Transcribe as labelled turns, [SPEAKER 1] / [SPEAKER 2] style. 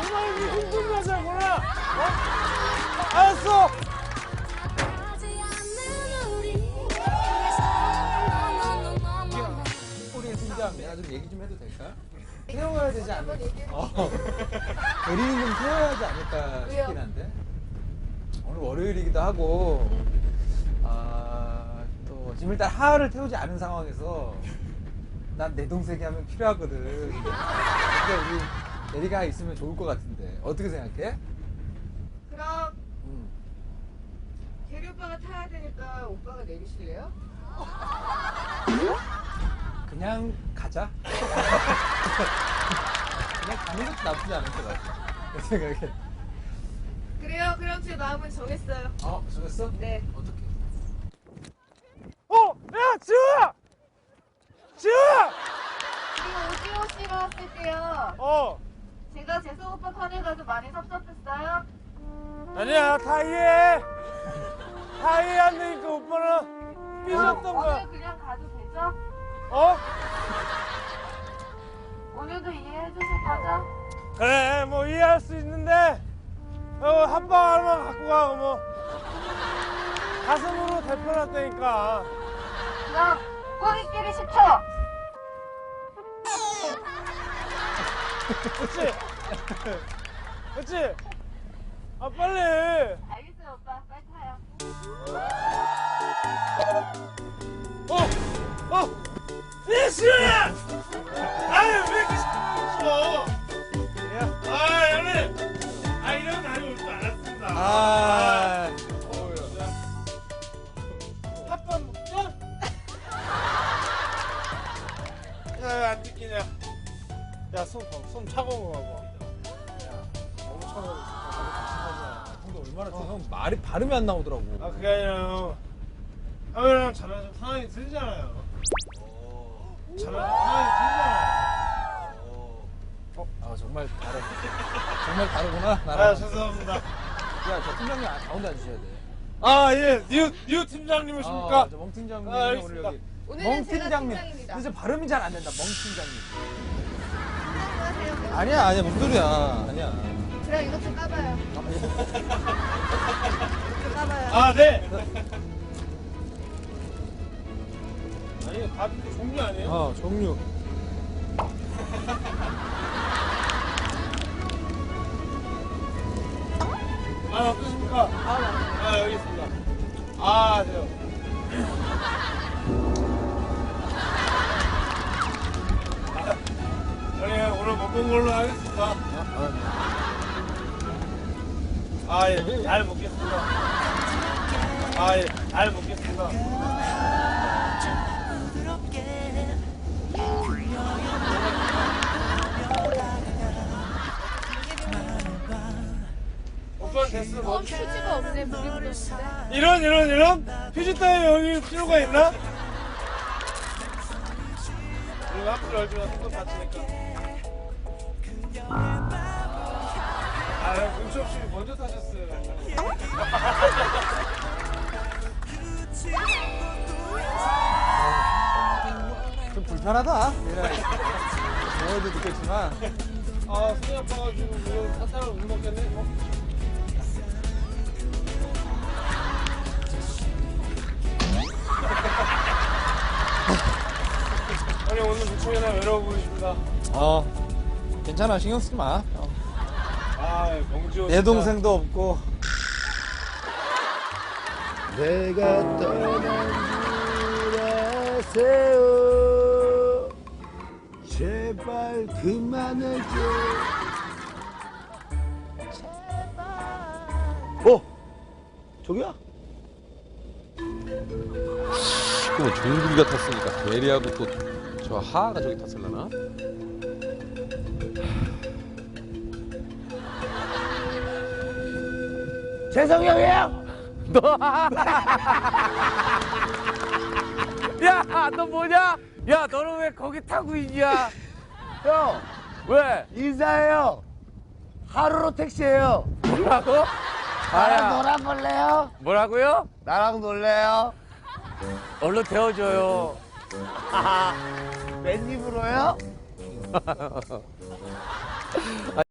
[SPEAKER 1] 정말 힘든 여자구나. 알았어.
[SPEAKER 2] 우리 팀장 내가 좀 얘기 좀 해도 될까? 태워야 되지 않을까? 대리는 좀 태워야 하지 않을까 싶긴 한데 오늘 월요일이기도 하고 또 지금 일단 하하를 태우지 않은 상황에서 난 내 동생이 하면 필요하거든. 근데 우리 대리가 있으면 좋을 것 같은데 어떻게 생각해?
[SPEAKER 3] 그럼 대리 오빠가 타야 되니까 오빠가 내리실래요?
[SPEAKER 2] 그냥 가자. 그냥 가는 것도 나쁘지 않을 것 같아. 내 생각에.
[SPEAKER 3] 그래요. 그럼 제 마음은 정했어요.
[SPEAKER 2] 정했어?
[SPEAKER 3] 네.
[SPEAKER 2] 어떻게?
[SPEAKER 1] 야, 지우야! 지우야!
[SPEAKER 3] 그리고 오지호 씨가 왔을 때요. 제가 재성 오빠 편에 가서 많이 섭섭했어요?
[SPEAKER 1] 아니야, 다 이해해. 다 이해 안 되니까 오빠는 삐졌던 거야.
[SPEAKER 3] 오늘 그냥 가도 되죠? 오늘도 이해해 주실 거죠?
[SPEAKER 1] 그래, 뭐 이해할 수 있는데, 한방 하나만 갖고 가, 뭐. 가슴으로 대표놨다니까.
[SPEAKER 3] 그럼 꼬리끼리 10초.
[SPEAKER 1] 그렇지? 그렇지? 빨리.
[SPEAKER 3] 알겠어요, 오빠. 빨리 타요.
[SPEAKER 1] 니시야! 아유, 왜 이렇게 시끄러워? 형님! 이런 날이 올 줄 알았습니다. 핫밥 먹자? 야, 안 뜯기냐? 야, 손 차가운 거 봐봐. 너무 차가워.
[SPEAKER 2] 형도 얼마나 형 말이 발음이 안 나오더라고.
[SPEAKER 1] 그게 아니라 형이랑 저랑 좀 상황이 틀리잖아요. 저랑 상황이 틀리잖아요.
[SPEAKER 2] 정말 다르. 정말 다르구나. 나랑.
[SPEAKER 1] 죄송합니다.
[SPEAKER 2] 야, 저 팀장님 가운데 앉으셔야 돼.
[SPEAKER 1] 예, 뉴 팀장님이십니까?
[SPEAKER 2] 저 멍 팀장님
[SPEAKER 1] 알겠습니다.
[SPEAKER 2] 오늘 여기.
[SPEAKER 3] 오늘은
[SPEAKER 2] 멍
[SPEAKER 3] 제가
[SPEAKER 2] 팀장님.
[SPEAKER 3] 팀장입니다.
[SPEAKER 2] 근데 발음이 잘 안 된다. 멍 팀장님.
[SPEAKER 3] 안녕하세요.
[SPEAKER 2] 아니야, 뭔 소리야. 아니야.
[SPEAKER 3] 그럼 이것 좀 까봐요. 좀 까봐요.
[SPEAKER 1] 네. 아니, 밥 종류 아니에요?
[SPEAKER 2] 종류.
[SPEAKER 1] 어떠십니까? 여기 있습니다. 돼요. 오늘 못 본 걸로 하겠습니다. 예, 잘 먹겠습니다. 예, 잘 먹겠습니다. 오빠는 됐어. 뭐.
[SPEAKER 3] 휴지가 없네. 물이 흐르는데.
[SPEAKER 1] 이런 휴지 따위 여기 필요가 있나? 우리 앞으로 열주면 손도 다치니까. 눈치 없이 먼저 타셨어요.
[SPEAKER 2] 좀 불편하다. 너희도 느꼈지만.
[SPEAKER 1] 손이 아파가지고 이거 사탕을 못 먹겠네. 아니 오늘 무척이나 외로워 보이십니다.
[SPEAKER 2] 괜찮아. 신경 쓰지 마.
[SPEAKER 1] 명지호
[SPEAKER 2] 내 동생도 없고.
[SPEAKER 4] 내가 떠난 줄 아세요. 제발 그만해줘. 저기야?
[SPEAKER 5] 그러면 종국이가 탔으니까 대리하고 또 저 하하가 저기 탔을라나?
[SPEAKER 4] 재성이 형이에요?
[SPEAKER 6] 야, 너 뭐냐? 야, 너는 왜 거기 타고 있냐?
[SPEAKER 4] 형,
[SPEAKER 6] 왜?
[SPEAKER 4] 인사해요. 하루로 택시예요.
[SPEAKER 6] 뭐라고?
[SPEAKER 4] 나랑 놀아볼래요?
[SPEAKER 6] 뭐라고요?
[SPEAKER 4] 나랑 놀래요?
[SPEAKER 6] 얼른 태워줘요.
[SPEAKER 4] 맨입으로요?